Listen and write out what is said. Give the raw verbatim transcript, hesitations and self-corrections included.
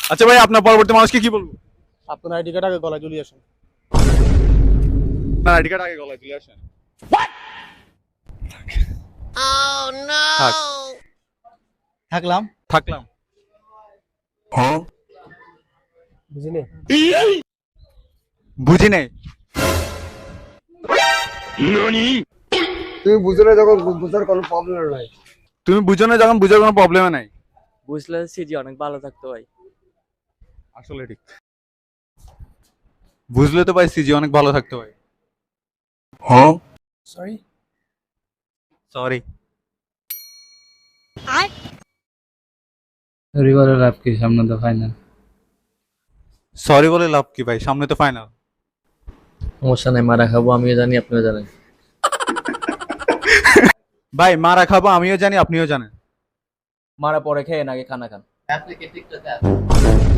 আচ্ছা ভাই, আপনার পরবর্তী মানুষকে কি বলবো? আপনার আইডি কার্ড আগে গলায় ঝুলিয়ে আসেন। আপনার আইডি কার্ড আগে গলায় তুলে আসেন। থাক, থাকলাম। থাকলাম। বুঝিনি? বুঝি নাই। তুমি বুঝো না যখন বুঝার কোনো প্রবলেম নাই। তুমি বুঝো না যখন বুঝার কোনো প্রবলেম নাই। বুঝলে সিজি অনেক ভালো থাকতো ভাই। আসলে ঠিক। বুঝলে তো ভাই সিজি অনেক ভালো থাকতো ভাই। হ্যাঁ। সরি। সরি। সরি বলে লাভ কি, সামনে তো ফাইনাল। সরি বলে লাভ কি ভাই, সামনে তো ফাইনাল। সমস্যা নাই, মারা খাবো আমিও জানি আপনিও জানেন। ভাই মারা খাবো আমিও জানি আপনিও জানেন। মারা পরে খেয়ে আগে খানা খান।